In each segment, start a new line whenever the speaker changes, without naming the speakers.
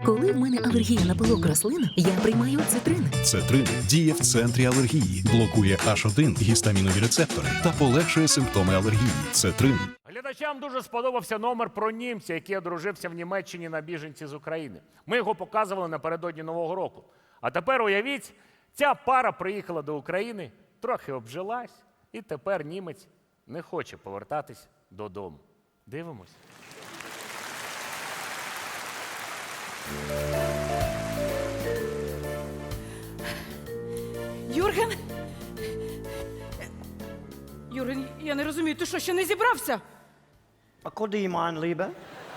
Коли в мене алергія на пилок рослин, я приймаю цитрин.
Цетрин діє в центрі алергії, блокує H1 гістамінові рецептори та полегшує симптоми алергії. Цетрин.
Глядачам дуже сподобався номер про німця, який одружився в Німеччині на біженці з України. Ми його показували напередодні Нового року. А тепер уявіть, ця пара приїхала до України, трохи обжилась, і тепер німець не хоче повертатись додому. Дивимось.
Юрген? Юрген, я не розумію, ти що, ще не зібрався?
А куди, mein Liebe?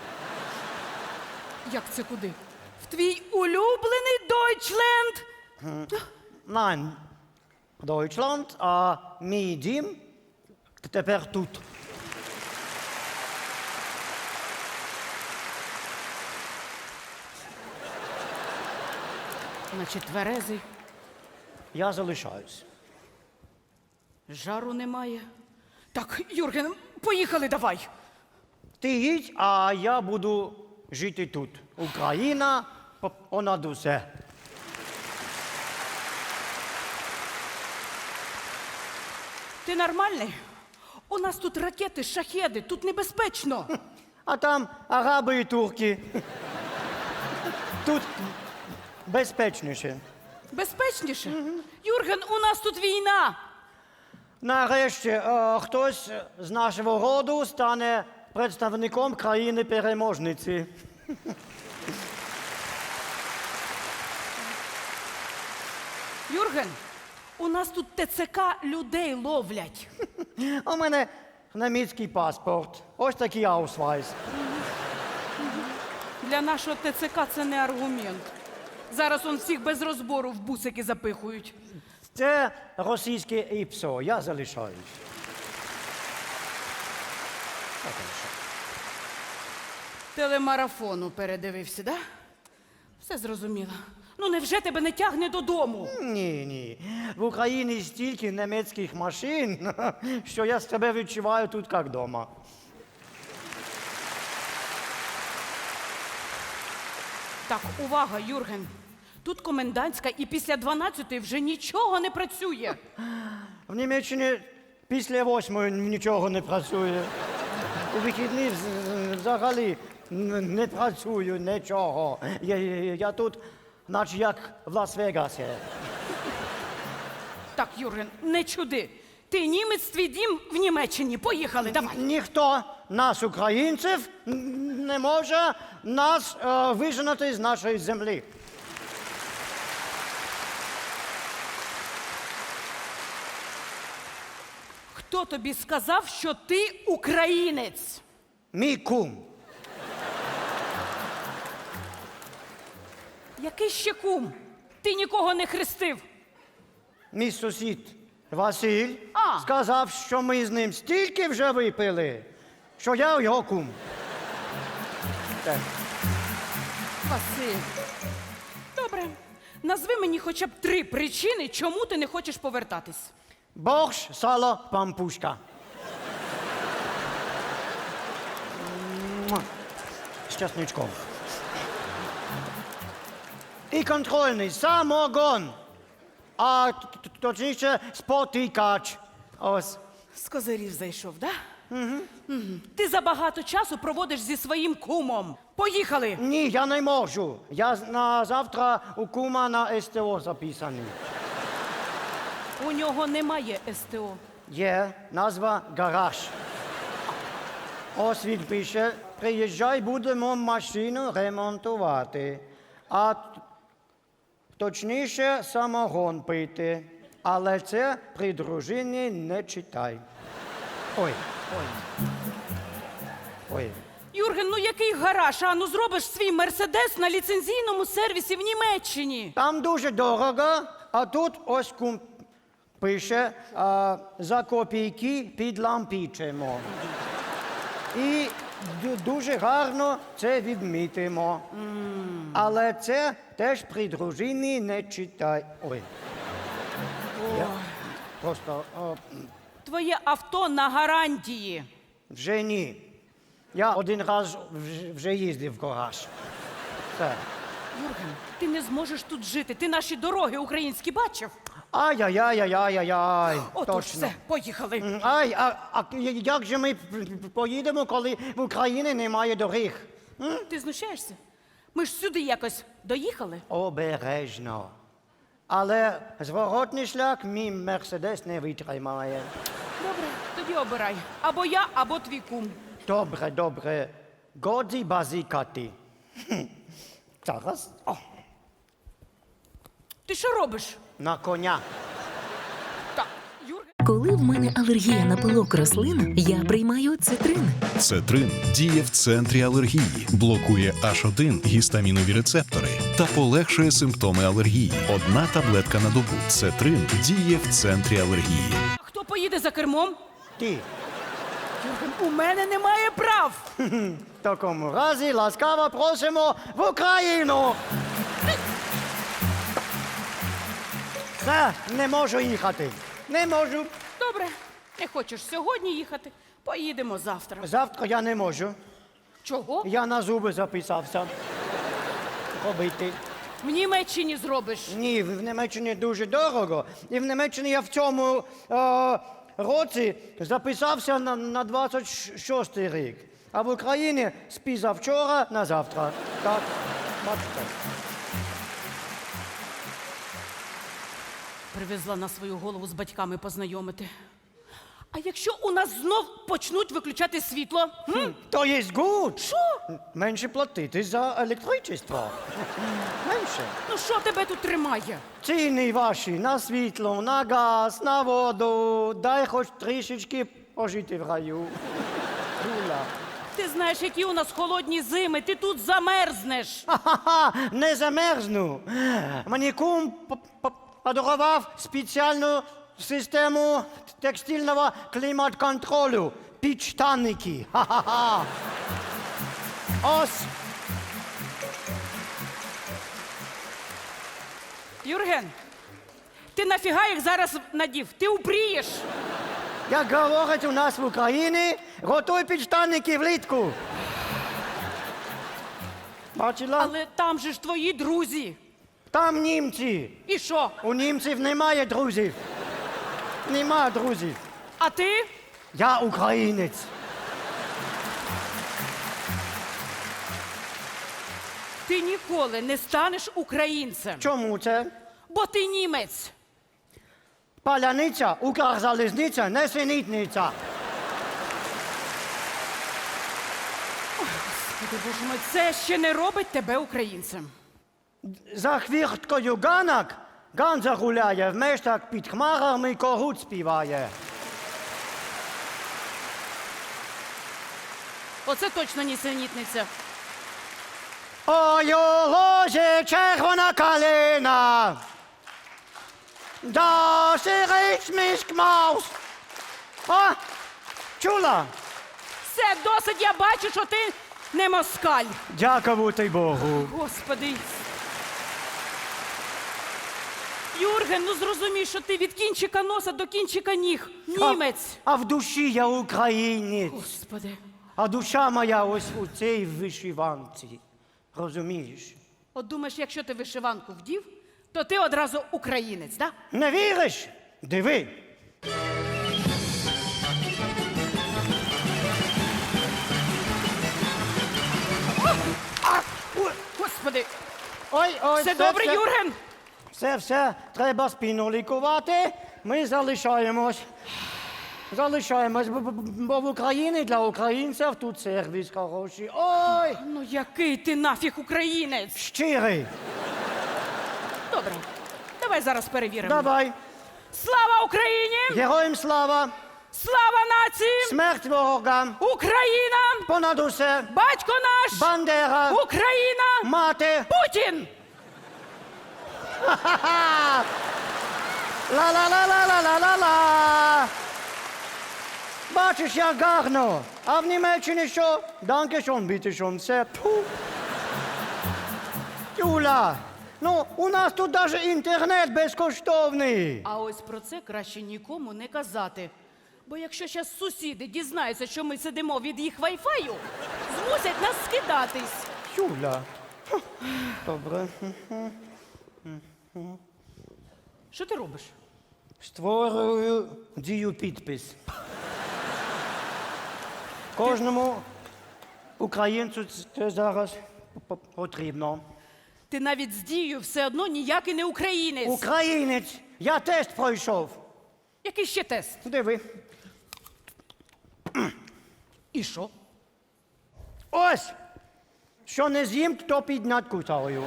Як це куди? В твій улюблений Дойчленд?
Nein, Deutschland, а мій дім тепер тут.
Значить, тверезий,
Я залишаюсь.
жару немає. Так, Юрген, поїхали давай.
Ти їдь, а я буду жити тут. Україна понад усе.
Ти нормальний? У нас тут ракети, шахеди, тут небезпечно.
А там араби і турки. Тут безпечніше.
Безпечніше? Юрген, у нас тут війна.
Нарешті хтось з нашого роду стане представником країни-переможниці.
Юрген, у нас тут ТЦК людей ловлять.
У мене німецький паспорт. Ось такий аусвайс.
Для нашого ТЦК це не аргумент. Зараз он всіх без розбору в бусики запихують.
Це російське ІПСО. Я залишаюсь.
Телемарафону передивився, да? Все зрозуміло. Ну невже тебе не тягне додому?
Ні. В Україні стільки німецьких машин, що я себе відчуваю тут як вдома.
Так, увага, Юрген. Тут комендантська і після 12-ї вже нічого не працює.
В Німеччині після 8-ї нічого не працює. У вихідні взагалі не працюю нічого. Я тут, наче як в Лас-Вегасі.
Так, Юрген, не чуди. Ти німець, твій дім в Німеччині. Поїхали, давай.
Ніхто нас, українців, не може нас виженати з нашої землі.
Хто тобі сказав, що ти українець?
Мій кум.
Який ще кум? Ти нікого не хрестив.
Мій сусід Василь
А.
сказав, що ми з ним стільки вже випили, що я його кум. Так.
Василь. Добре. Назви мені хоча б 3 причини, чому ти не хочеш повертатись.
Борщ, сало, пампушка. Муа. З чесничком. І контрольний самогон. А точніше спотикач. Ось.
З козирів зайшов, да? Угу. Ти забагато часу проводиш зі своїм кумом. Поїхали!
Ні, я не можу. Я на завтра у кума на СТО записаний.
У нього немає СТО.
Є назва гараж. Ось він пише, приїжджай, будемо машину ремонтувати. А точніше самогон пити. Але це при дружині не читай. Ой.
Юрген, ну який гараж? А ну зробиш свій мерседес на ліцензійному сервісі в Німеччині.
Там дуже дорого, а тут ось кум пише, за копійки підлампічимо. І дуже гарно це відмітимо. Але це теж при дружині не читай. Ой. Я просто
Твоє авто на гарантії.
вже ні. Я один раз вже їздив в гараж. Все.
Юрген, ти не зможеш тут жити. Ти наші дороги українські бачив?
Ай-яй-яй-яй-яй-яй.
Отож,
Точно.
все, поїхали.
Ай, а як же ми поїдемо, коли в Україні немає доріг?
Ти знущаєшся? Ми ж сюди якось доїхали.
Обережно. Але зворотний шлях мій Мерседес не витримає.
Добре, тоді обирай. Або я, або твій кум.
Добре, добре. Годі базікати. Зараз. О,
Ти що робиш?
на коня.
Так, Юрген.
Коли в мене алергія на пилок рослин, я приймаю цитрин.
Цетрин діє в центрі алергії, блокує H1 гістамінові рецептори та полегшує симптоми алергії. Одна таблетка на добу. Цетрин діє в центрі алергії.
А хто поїде за кермом?
Ти.
Юрген, у мене немає прав.
В такому разі ласкаво просимо в Україну. Все, не можу їхати. Не можу.
Добре, не хочеш сьогодні їхати? Поїдемо завтра.
Завтра я не можу.
Чого?
Я на зуби записався. Робити.
В Німеччині зробиш.
Ні, в Німеччині дуже дорого. І в Німеччині я в цьому році записався на 26-й рік. А в Україні з позавчора на завтра. Так, бачите.
Привезла на свою голову з батьками познайомити. А якщо у нас знов почнуть виключати світло?
То є гуд.
Що?
Менше платити за електричество. Менше.
Ну що тебе тут тримає?
Ціни ваші на світло, на газ, на воду. Дай хоч трішечки пожити в раю. Дула.
Ти знаєш, які у нас холодні зими, ти тут замерзнеш.
Ха-ха-ха, не замерзну. Мені кум подарував спеціальну систему текстильного клімат-контролю. Підштанники. Ха-ха-ха. Ось.
Юрген, ти нафіга їх зараз надів? Ти упрієш.
Як говорять у нас в Україні, готуй підштанники влітку. Бачила?
Але там же ж твої друзі.
Там німці.
І що?
У німців немає друзів. Нема друзів.
А ти?
Я українець.
Ти ніколи не станеш українцем,
Чому це?
бо ти німець.
Паляниця, Укрзалізниця, несенітниця.
Господи, Боже мой, це ще не робить тебе українцем.
За хвірткою ганок Ганза гуляє, в мештах під хмарами когут співає.
Оце точно нісенітниця.
Ой, у лозі червона калина, да сирич міськ маус. А, чула?
Все, досить, я бачу, що ти не москаль.
Дякувати Богу.
Господи. Юрген, ну зрозумій, що ти від кінчика носа до кінчика ніг. Німець.
А в душі я українець.
Господи.
А душа моя ось у цій вишиванці. Розумієш?
От думаєш, якщо ти вишиванку вдів, то ти одразу українець, так?
Не віриш? Диви.
Господи.
Ой, ой,
Все добре, Юрген?
Все, треба спину лікувати. Ми залишаємось. Залишаємось, бо в Україні для українців тут сервіс хороший. Ой,
Ну який ти нафіг українець?
щирий.
Добре, давай зараз перевіримо.
Давай.
Слава Україні!
Героям слава,
Слава нації!
смерть ворогам,
Україна!
понад усе,
Батько наш!
Бандера,
Україна!
мати.
Путін!
Ха-ха! Ла-ла-ла-ла-ла-ла-ла-ла! Бачиш, як гарно. А в Німеччині що? Данкешон, бітешон, все. Пфу. Юля, ну, у нас тут навіть інтернет безкоштовний.
А ось про це краще нікому не казати. Бо якщо зараз сусіди дізнаються, що ми сидимо від їх вайфаю, змусять нас скидатись.
Юля, Добре.
Що ти робиш?
Створюю дію підпис. Кожному українцю це зараз потрібно.
Ти навіть з дією все одно ніякий не українець.
Українець! Я тест пройшов.
Який ще тест?
Диви.
І що?
Ось! Що не з'їм, то піднять кусаю.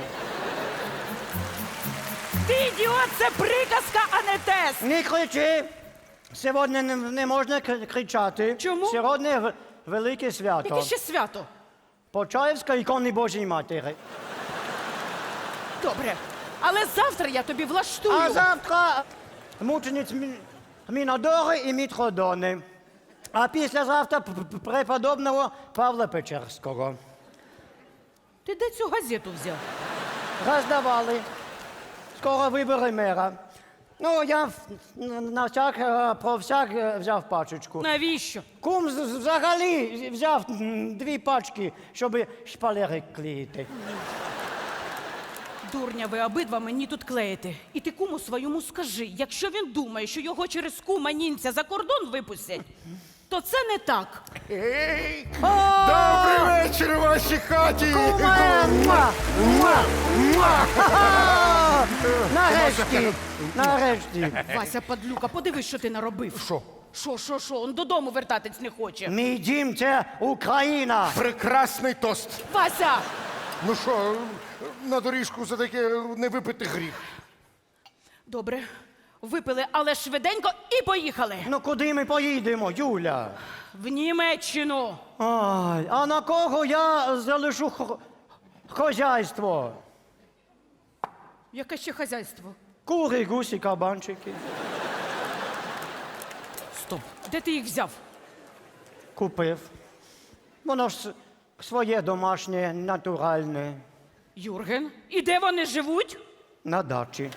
Ти ідіот, це приказка, а не тест!
Не кричи! Сьогодні не можна кричати.
Чому?
Сьогодні велике свято.
Яке ще свято?
Почаївська ікони Божої Матері.
Добре. Але завтра я тобі влаштую.
А завтра мучениць Мінодори і Мітродони. А післязавтра преподобного Павла Печерського.
Ти де цю газету взяв?
Роздавали. Скоро вибори мера. Ну, я на всяк, про всяк взяв пачечку.
Навіщо?
Кум взагалі взяв 2 пачки, щоб шпалери клеїти.
Дурня ви обидва мені тут клеїте. І ти куму своєму скажи, якщо він думає, що його через кума німця за кордон випустять, то це не так.
Добрий вечір у вашій хаті!
Нарешті! Нарешті!
Вася, падлюка, подивись, що ти наробив. Що? Он додому вертатись не хоче.
Мій дім – це Україна!
Прекрасний тост.
Вася!
Ну що, на доріжку за таке не випити гріх.
Добре, випили, але швиденько і поїхали.
Ну куди ми поїдемо, Юля?
В Німеччину.
Ай, а на кого я залишу хозяйство?
Яке ще хазяйство?
Кури, гусі, кабанчики.
Стоп. Де ти їх взяв?
Купив. Воно ж своє домашнє, натуральне.
Юрген. І де вони живуть?
На дачі.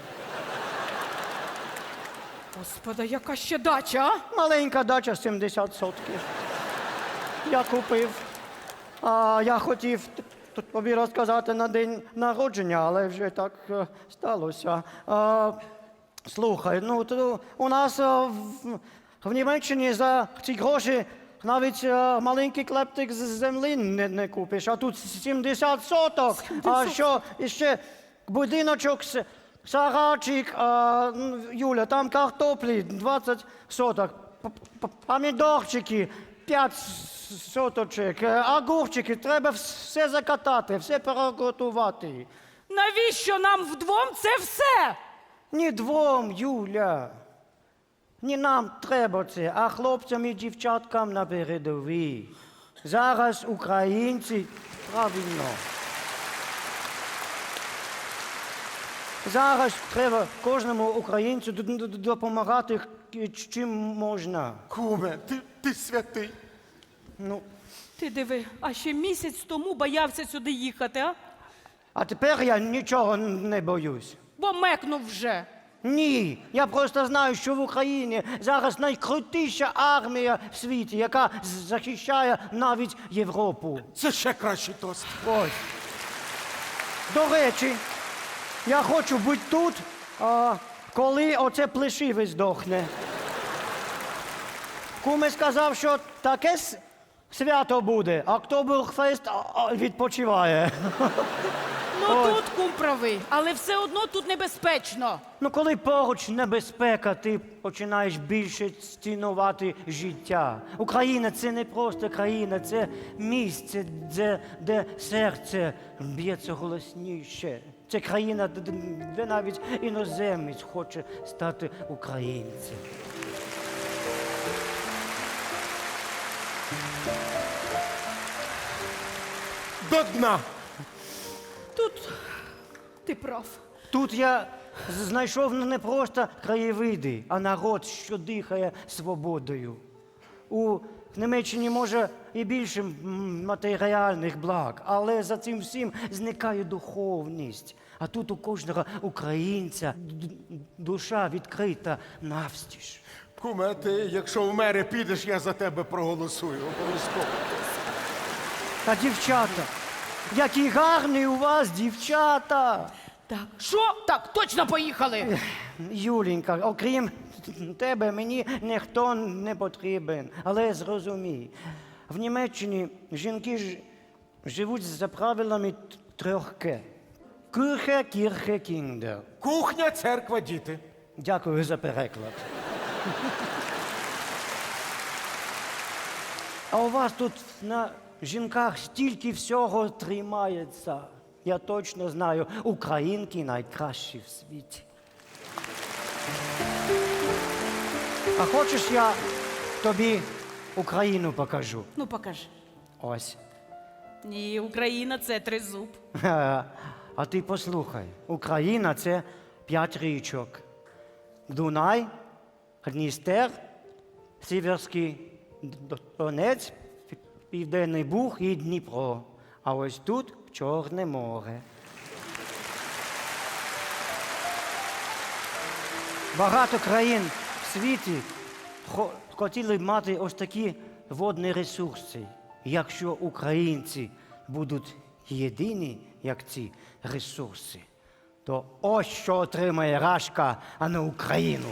Господа, яка ще дача, а?
Маленька дача, 70 сотків. Я купив. А я хотів тобі розказати на день народження, але вже так сталося. Слухай, ну то у нас в Німеччині за ці гроші навіть маленький клептик з землі не купиш, а тут 70 соток. А що іще будиночок, сарайчик, Юля, там картоплі 20 соток, помідорчики 5 соточок, огурчики, треба все закатати, все переготувати.
Навіщо нам вдвом це все?
Ні двом, Юля. Не нам треба це, а хлопцям і дівчаткам на передовій. Зараз українці правильно. Зараз треба кожному українцю допомагати чим можна.
Куме, ти святий.
Ну,
Ти диви, а ще місяць тому боявся сюди їхати, а?
а тепер я нічого не боюсь.
Бо мекнув вже.
Ні, я просто знаю, що в Україні зараз найкрутіша армія в світі, яка захищає навіть Європу.
Це ще кращий тост.
Ось. До речі, я хочу бути тут, коли оце плешиве здохне. Куме сказав, що таке свято буде, Октоберфест відпочиває.
Ну тут кум правий, але все одно тут небезпечно.
Ну, коли поруч небезпека, ти починаєш більше цінувати життя. Україна – це не просто країна, це місце, де серце б'ється голосніше. Це країна, де навіть іноземець хоче стати українцем.
До дна.
Тут ти прав.
Тут я знайшов не просто краєвиди, а народ, що дихає свободою. У Німеччині може і більше матеріальних благ, але за цим всім зникає духовність. А тут у кожного українця душа відкрита навстіж.
Куме, ти, якщо в мери підеш, я за тебе проголосую. Обов'язково.
Та дівчата, які гарні у вас дівчата.
Так, що? Так, точно поїхали.
Юлінька, окрім тебе, мені ніхто не потрібен. Але зрозумій, в Німеччині жінки живуть за правилами трьох К. Кюхе, кірхе, кіндер.
Кухня, церква, діти.
Дякую за переклад. А у вас тут на жінках стільки всього тримається. Я точно знаю, українки найкращі в світі. А хочеш, я тобі Україну покажу?
Ну, покажи.
Ось.
Ні, Україна це тризуб.
А ти послухай, Україна це 5 річок. Дунай, Дністер, Сіверський Донець, Південний Буг і Дніпро. А ось тут Чорне море. Багато країн в світі хотіли б мати ось такі водні ресурси. Якщо українці будуть єдині, як ці ресурси, то ось що отримає Рашка, а не Україну.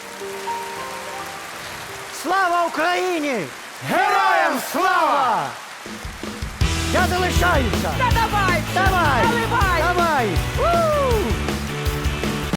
Слава Україні! Героям слава! Я залишаюся!
Та давай!
Давай!
Наливай!
Давай!